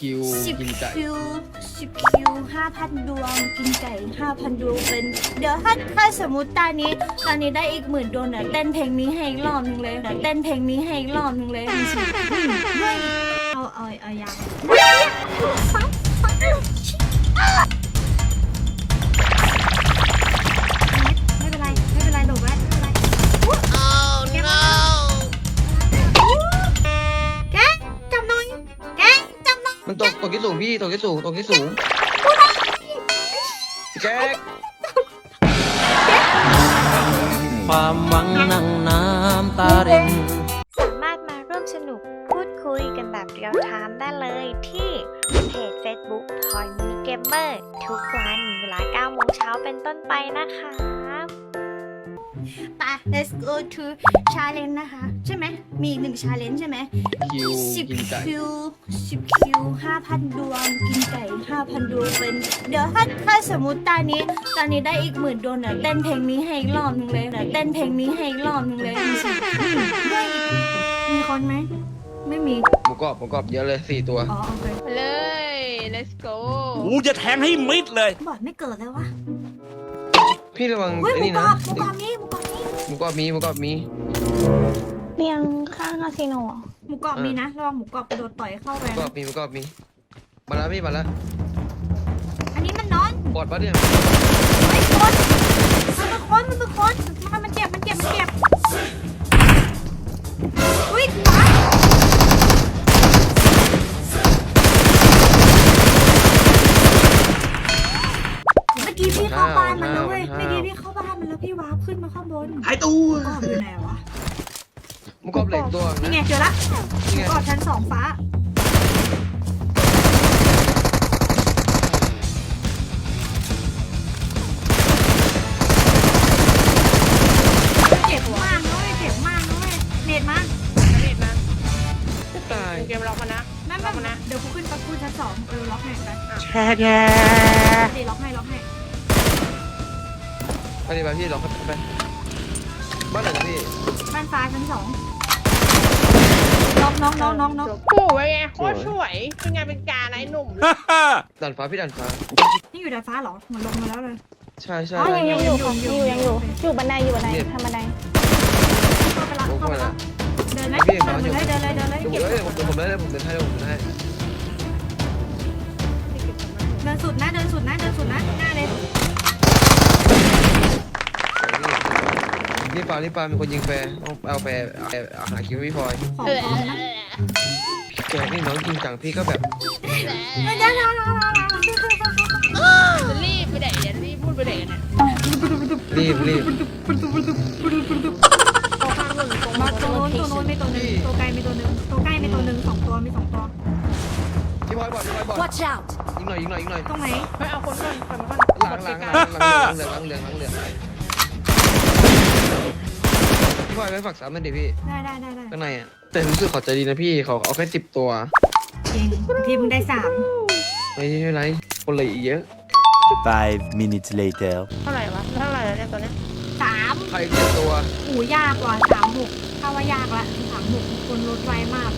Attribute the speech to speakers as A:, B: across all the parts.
A: คิว
B: 10
A: กินไก่
B: คิว10 คิว 5,000 ดวงกินไก่ 5,000 ดวงเป็นเดี๋ยวถ้าสมมติตอนนี้ได้อีก10,000 ดวงเนี่ยเต้นเพลงนี้ให้อีกรอบนึงเลยเต้นเพลงนี้ให้อีกรอบนึงเลยเฮ้ยเอาอย่างไม่เป็นไรโดดไว้ไม่เป็นไรแกจับหน่อยแกจับหน่อย
A: มันตกที่สูงพี่ตกที่สูงแจ๊ก
C: ความหวังนั่งน้ำตาริน
D: สามารถมาร่วมสนุกพูดคุยกันแบบเรียลไทม์ได้เลยที่เพจ Facebook Toy Mini Gamer ทุกวันเวลา 9 โมงเช้าเป็นต้นไปนะคะ
B: ไป let's go to challenge นะคะ ใช่ไหมมีอีก1 challenge ใช่ไหม
A: คิวกินไก่
B: 10 คิว10 คิว 5,000 ดวงกินไก่ 5,000 ดวงเป็นเดี๋ยวถ้าสมมติตอนนี้ได้อีก10,000 ดวงเนี่ยเต้นเพลงนี้ให้อีกรอบนึงเลยเต้นเพลงนี้ให้อีกรอบนึงเลยมีคนไหมไม่มี
A: หมูกรอบเยอะเลย4 ตัว
B: อ๋อโอเค
E: เลย let's go
C: กูจะแทงให้มิดเลย
B: บอดไม่เกิดแล้ววะ
A: พี่ระวัง
B: เฮ้ย
A: ไอ้
B: หมู
A: นี่
B: กร
A: นะ
B: อบนี้
A: หมูกรอบมี
D: เรียงข้างคาสิโน
B: หมูกรอบมีนะระวังหมูกรอบกระโดดต่อยเข้าไป
A: หมูกรอบมีมาแล้วพี่มาแล้ว
B: อันนี้มันนอน
A: บอดปะเนี่ย
B: เฮ้ยคนมันเป็นคนมันเจ็บอุ้ยหมาเมื่อกี้พี่เข้าบ้านมันแล้วเว้ยเมื่อกี้พี่เข้าบ้านมันแล้วพี่วาร์ปขึ้นมาข้างบน
C: หายตัว
B: กรอบอยู่ไหนวะ
A: หมูกรอบเหล็กตัว
B: นี่ไงเจอละ
A: นี่ไง
B: กรอบชั้น2ฟ้าเจ็บมากนะเว้ยเน็ตมา
E: เน็ตมา
A: ตาย
E: เกมล็อกมานะ
B: นั่น
E: ล็อกมานะ
B: เดี๋ยวกูขึ้นชั้น2ล็อกให้ไป
C: แช่แก
B: เดี๋ยวล็อกให้
A: ไปดิไปพี่ลองไปบ้านไหนนะพี่
B: บ้านฟ้าชั้น2น้อง
E: ปู่ไว้ไงโคตรสวยเป็นไงเป็นการไอ้หนุ่ม
A: ดันฟ้าพี่ดันฟ้า
B: นี่อยู่ดาดฟ้าเหรอเหมือนลงมาแล้วเลย
A: ใช่
D: อ๋อยังอยู่ค่ะอยู่บันไดทำบันได
B: เข้าไปละเดินไหมเดินเลย
A: เดี๋ยวผมเดินให้
B: เดินสุดนะหน้าเลย
A: รีบปามีคนยิงแฟร์ต้องเอาแฟร์หาคิวพี่พลอย
B: ของนะ
A: แกนี่น้องจริงจังพี่ก็แบบ
B: ไม่ได้
E: จะรีบไปไหนเนี่ยรีบพูดไปไหนเนี่ย
A: รีบ
E: ตัวข้างหนึ่งตรง
B: มาตัวโน้นไม่ตัวหนึ่งตัวไกลไม่ตัวหนึ่ง2 ตัวมี2 ตัว
A: พี่พลอยบอด
B: Watch out
A: ยิงหน่อย
B: ตรงไหน
E: เฮ้ยเอาคนก่อนคนก่อน
A: หลังเหลืองพี่พลอยไปฝักซ้ำนั่นดิพี่
B: ได้
A: ข้างในอ่ะแต่รู้สึกเขาใจดีนะพี่เขาเอาแค่10 ตัว
B: จริงทีมึงได้3
A: ไม่เป็นไรคนเลยอีกเยอะ
C: 5 minutes later
E: เท่าไหร่วะเท่าไหร่แล้วเนี่ยตัวเนี้ย
B: 3
A: ใคร7 ตัว
B: หูยากกว่า36ถ้าว่ายากละ36คนลดไวมาก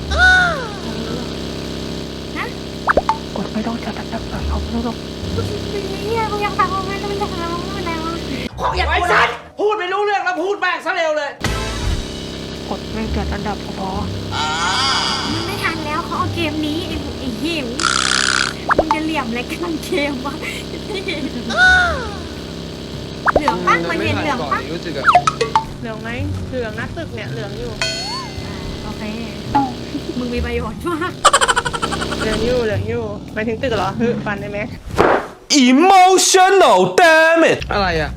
B: นะ
E: กดไม่ต้องจับเขาไม่ต้อง
B: เฮียกูยังฟังไม่ได้แล้ว
C: ไอ้สัตว์พูดไม่รู้เรื่องแล้วพูดแม่งซะเร็วเลย
E: กดไม่จัดอันดับพอ
B: มันไม่ทันแล้วเขาเอาเกมนี้ไอ้หิวมึงจะเหลี่ยมอะไรกันเกมวะเหลืองปะมันเห็นเหลืองปะ
A: รู้สึกอะ
E: เหลืองไหมเหลืองนะตึกเนี่ยเหลืองอยู่
B: โอเคมึงมีประโยชน์มาก
E: เหลืองอยู่หมายถึงตึกเหรอฮึฟันได้ไหม
C: emotional damn it
A: อะไรอะ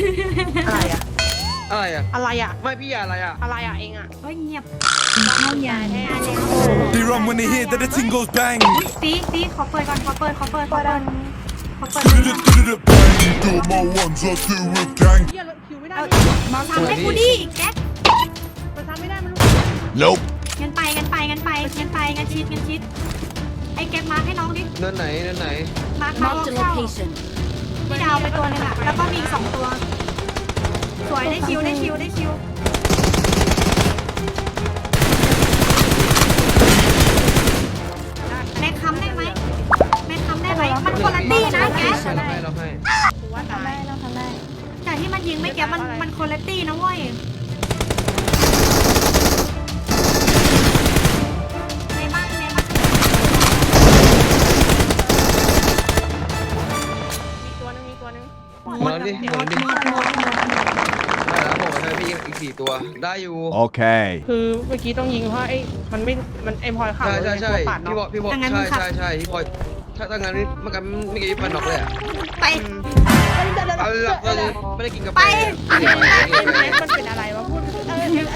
E: อะไรอ่ะ
A: ไม่พี่อะไรอะ
E: อะไรอ่ะเองอ่ะ
B: เฮ้ยเงียบเอาอย่าแน่แล้ว
F: They run when they hear that the thing goes bang.
B: ตีขอเปิดก่อนขอเปิด
F: Do my ones, I do it gang.
E: เฮียรถคิวไม่ได้
B: เอาเมาทำให้กูดิแก๊ก
E: มันทำไม่ได้มัน
F: Nope.
B: งั้นชิดไอ้แก๊กมาให้น้องดิ
A: เนินไหน
B: มาเข้าพี่ดาวไปตัวนึงอ่ะแล้วก็มีอีก2 ตัวสวยได้คิวในคำได้ไหม
E: ก็ตาย
D: เราทำได้
B: แต่ที่มันยิงไม่แก้มันคนละตี้นะเว้ยในบ้าน
E: มีตัวนึง
A: หมดแล้วดิหมดแล้วดิได้แล้วผมให้พี่อีก4 ตัวได้อยู่
F: Okay.
E: คือเมื่อกี้ต้องยิงเพราะไอ้มันไม่มันไอ้พลอยขับ
A: ใช่
E: ปาด
A: พี่
E: เนาะ
A: บอกพี่บอกใช่พี่พลอยถ้างั้นเมื่อกี้ไม่กี่พันน็อกเลยอ่ะ
B: ไป
A: เอาละไม่ได้กินกาแฟ
E: มันเป็นอะไรวะพูดเอามาเนี่ย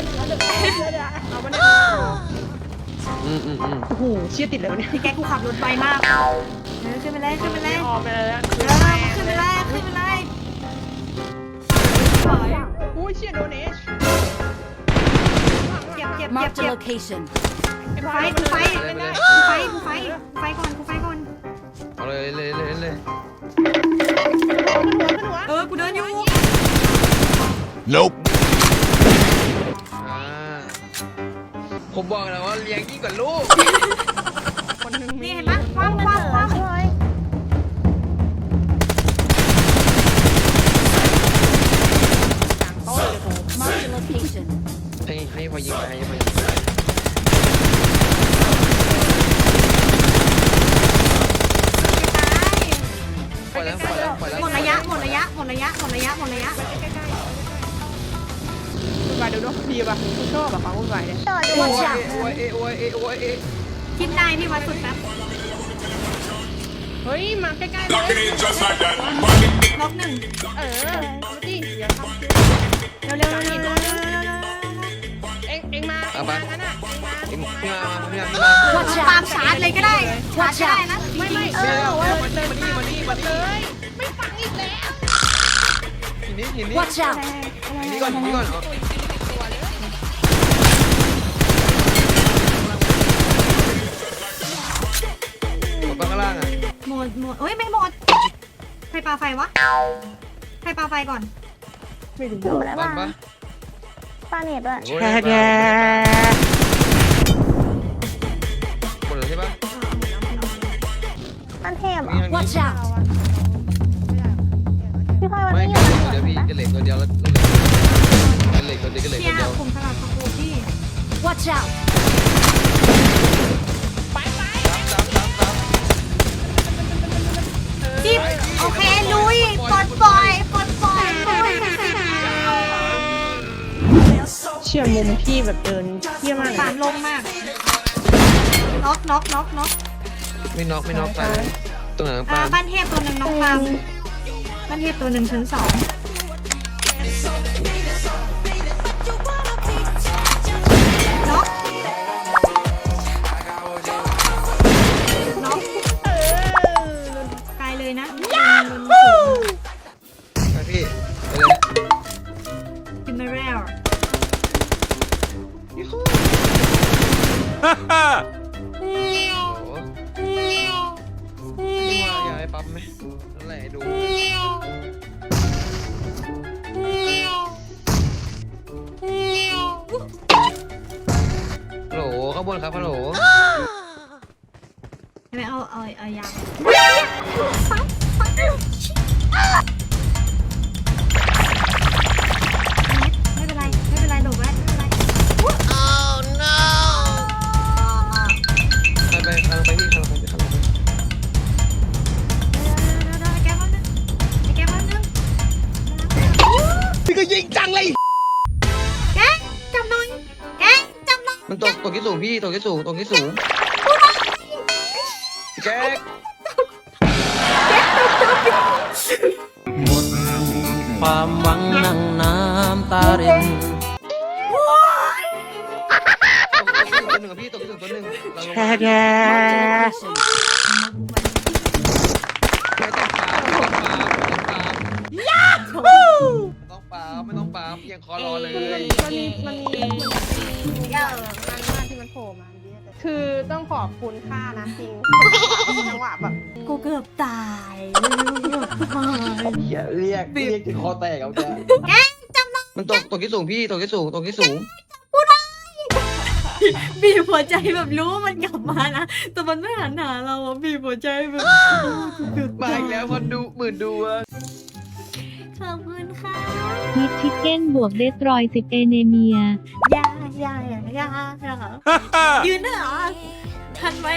E: โอ้โหเชี่ยติดเลยวะเนี่ย
B: พี่แกกูขับรถไวมากขึ้นไปเลยขึ้นไปเลย
E: ออกไปแล้ว
B: ขึ้นไปเลยขึ้นไปเลย
E: โอ้ยเชี่ยโดนเอช
B: เจ็บ
G: Marked a location.
B: กูไฟก่อน
A: เอาเลย
B: กูเดินอยู่
F: Nope.
A: ผมบอกแล้วว่าเลี้ยงยิ่งกว่าลูก
E: คนนึง
B: นี่เห็นไหมคว้าง
G: Marked a location.
A: ให้พอยิงไปปล่อยแล้ว
B: หมดระยะ
E: วุ่นวายเดี๋ยวดูดีป่ะกูชอบแบบความวุ่นวายเนี่ย
A: โอ้ย
B: ทิศนายพี่วัดสุดแป๊บ
E: เฮ้ยมาใกล้ๆเลย
F: Just like that.
B: ล็อกหนึ่ง
E: มาดิอย่าทำ
B: เร็ว
E: เอ็งมางั้นอ่ะ
A: พี่มา
B: ตามชาร์จเลยก็ได้ชาร์จได้นะ
E: ไม่
A: มานี่
E: ไม่ฟังอีกแล้ว
A: หินนี่
G: Watch out!
A: นี่ก่อนข้างล่างอ่ะ
B: หมดเอ้ยไม่หมดใครปาไฟวะใครปาไฟก่อน
E: ไม่รู้
D: อยู่แล้ว
A: บ้า
D: ว่าน
A: ปะ
D: ปาเน็ตด้วย
A: แหมดเลยใช่ปะ
D: มันเทพเหรอ
G: Watch out!
D: พี่พลอยมัน
A: ไม่
D: ไม่อยู่
A: เดี๋ยวพี่จะเหล็กตัวเดียวแล้วเหล็กตัวเดียว
B: เชี่ยผมสลับสกูพี่
G: Watch out!
B: จิ๊บโอเคลุยปลดปล่อย
E: เชี่ยมุมพี่แบบเดินเที่ยมาก
B: สารลงมากน็อก
A: ไม่น็อกตายตรงไหนปลา
B: บ้านเทพตัวหนึ่งน้องปามบ้านเทพตัวหนึ่งชั้น2น็อกไกลเลยนะ
A: ไปพี่ไปเลย
B: กินไม่แล้ว
A: โอ้นี่ว่าอยากให้ปั๊มไหมนั่นแหละดูฮัลโหลข้างบนครับฮัลโหล
B: ไม่เอายางไม่เป็นไรโดดไว้ไม่เป็นไร
A: ไปพี่ข้างไป
B: แก้วนึง
A: พี่ก็ยิงจังเลย
B: แกจับหน่อยจับหน่อย
A: มันตกที่สูงพี่ตกที่สูงแก๊ก
C: หมดความหวังนั่งน้ำตาริน
A: ตัวหนึ่งพี่ตกที่สูงตัวหนึ่งเราลง
G: Marked a location.
A: ต้องปายังคอรอเลย
E: มันมีที่มันโผล่มาคือต้องขอบคุณค่านะจริงจังหวะแบบ
B: กูเกือบตาย
A: อย่าเรียกจนคอแตกเอาแก
B: แกจับหน่อย
A: มันตกที่สูงพี่ตกที่สูง
B: บีบหัวใจแบบรู้ว่ามันกลับมานะแต่มันไม่หันหาเราอะบีบหัวใจแบบ
A: มาอีกแล้วคนดูหมื่นดูอะ
B: ขอบคุณค่ะ
H: ฮิตชิคเก้นบวกเดสตรอย10เอเนเมีย
B: ยายยืนได้เหรอทันไหม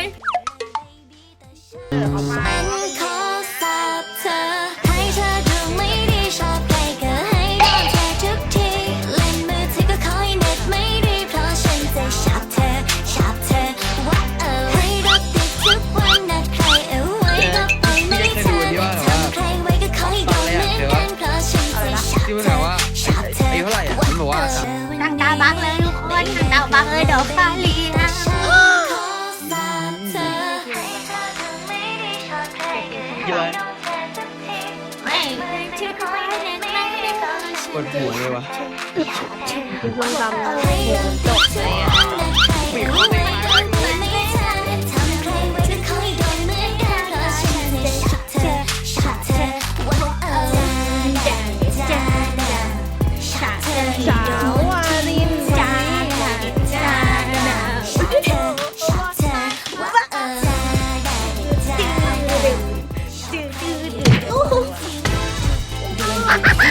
D: ขอสาบเธอให้เธอดูไม่ดีชอบใครก็ให้โดนเธอทุกทีเล่นมือถือก็ขอให้เน็ตไม่ดีเพราะฉันจะชอบเธอว่าให้รถติดทุกวันนะใครเอาไว้ก็ไปไม่เธอทำใครไว้ก็ขอให้โดนเหมือนกันเพราะฉันจะชอบ
A: ที่มัน
D: เธ
A: ถาม
D: อ
A: ว่าอายุเท่าไหร่อ่ะมันบอกว่า
B: ทางตาบังเลยทุกคนทางตาบังเลยเดี๋ยวฟ้าเลีย
A: เยอะ
B: ไม่ที่คอยเน้นไม่ได้ตอนฉัน
A: ปวดหัวเลยวะ
E: คือส้มตำจบเลยอ่ะ สาววาริน
B: จ้าจ้าดื้อ